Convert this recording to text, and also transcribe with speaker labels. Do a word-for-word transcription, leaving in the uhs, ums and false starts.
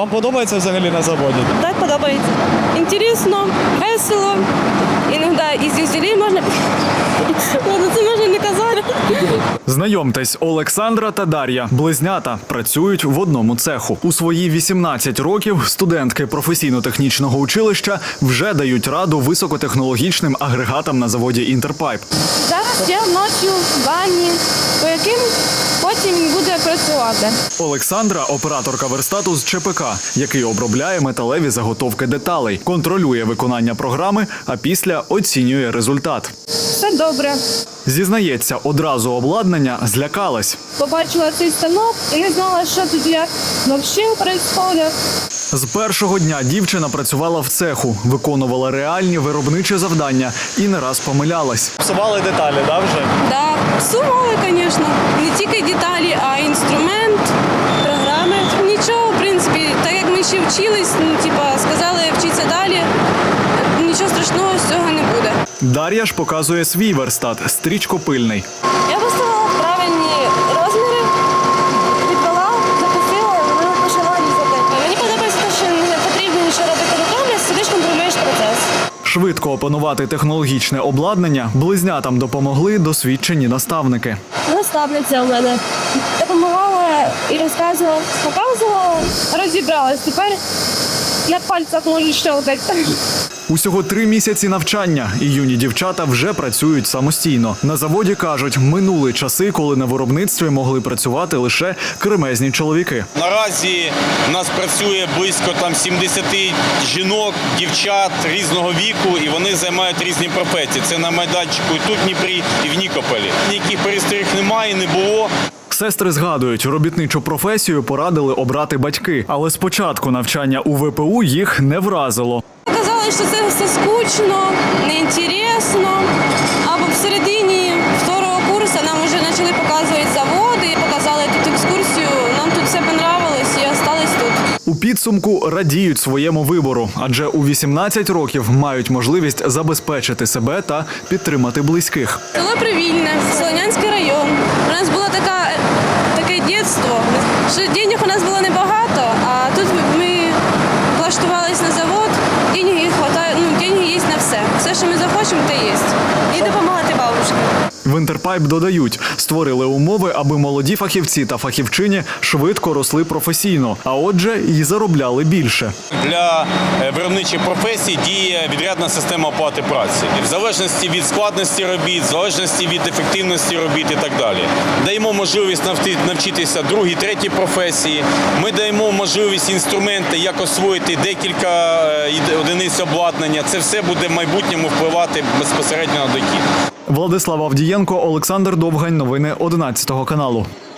Speaker 1: Вам подобається взагалі на заводі?
Speaker 2: Так, подобається. Інтересно, весело. Іноді із зюзелі можна... Ладно, це можна не казати.
Speaker 3: Знайомтесь, Олександра та Дар'я, близнята, працюють в одному цеху. У свої вісімнадцять років студентки професійно-технічного училища вже дають раду високотехнологічним агрегатам на заводі «Інтерпайп».
Speaker 2: Зараз я ночі в ванні, по яким потім він буде працювати.
Speaker 3: Олександра – операторка верстату з ЧПК, який обробляє металеві заготовки деталей, контролює виконання програми, а після оцінює результат.
Speaker 2: Все добре.
Speaker 3: Зізнається, одразу обладнання злякалась.
Speaker 2: Побачила цей станок і не знала, що тут як взагалі відбувається.
Speaker 3: З першого дня дівчина працювала в цеху, виконувала реальні виробничі завдання і не раз помилялась.
Speaker 1: Псували деталі, да, вже?
Speaker 2: Да, псували, звісно. Не тільки деталі, а й інструмент, програми. Нічого, в принципі, так як ми ще вчились, ну, типа, сказали вчитися далі, нічого страшного з цього не буде.
Speaker 3: Дар'я ж показує свій верстат – стрічкопильний.
Speaker 2: Я поставила правильні розміри, відвела, запустила, вона почала різати. Мені подобається те, що не потрібно нічого робити руками, сидиш, контролюєш процес.
Speaker 3: Швидко опанувати технологічне обладнання близнятам допомогли досвідчені наставники.
Speaker 2: Наставниця у мене допомагала і розказувала, показувала, розібралась. Тепер я в пальцях можу щелкати.
Speaker 3: Усього три місяці навчання, і юні дівчата вже працюють самостійно. На заводі, кажуть, минули часи, коли на виробництві могли працювати лише кремезні чоловіки.
Speaker 4: Наразі в нас працює близько там сімдесят жінок, дівчат різного віку, і вони займають різні професії. Це на майданчику і тут в Дніпрі, і в Нікополі. Ніяких перестриг немає, не було.
Speaker 3: Сестри згадують, робітничу професію порадили обрати батьки. Але спочатку навчання у ве пе у їх не вразило.
Speaker 2: Казали, що це все скучно, неінтересно. Або всередині второго курсу нам вже почали показувати заводи, показали тут екскурсію. Нам тут все понравилось і залишились тут.
Speaker 3: У підсумку радіють своєму вибору, адже у вісімнадцять років мають можливість забезпечити себе та підтримати близьких.
Speaker 2: Село Привільне, Солонянський район. У нас було така, таке дитинство, що денег у нас було небагато, а тут ми влаштувалися на завод, деньги хватає, ну, деньги є на все. Все, що ми захочемо, те є. І допомагати бабушці.
Speaker 3: В «Інтерпайп» додають, створили умови, аби молоді фахівці та фахівчині швидко росли професійно, а отже, і заробляли більше.
Speaker 4: Для виробничих професій діє відрядна система оплати праці. В залежності від складності робіт, в залежності від ефективності робіт і так далі. Даємо можливість навчитися другій, третій професії. Ми даємо можливість інструменти, як освоїти декілька одиниць обладнання. Це все буде в майбутньому впливати безпосередньо на дохід.
Speaker 3: Владислав Авдієнко, Олександр Довгань. Новини одинадцятого каналу.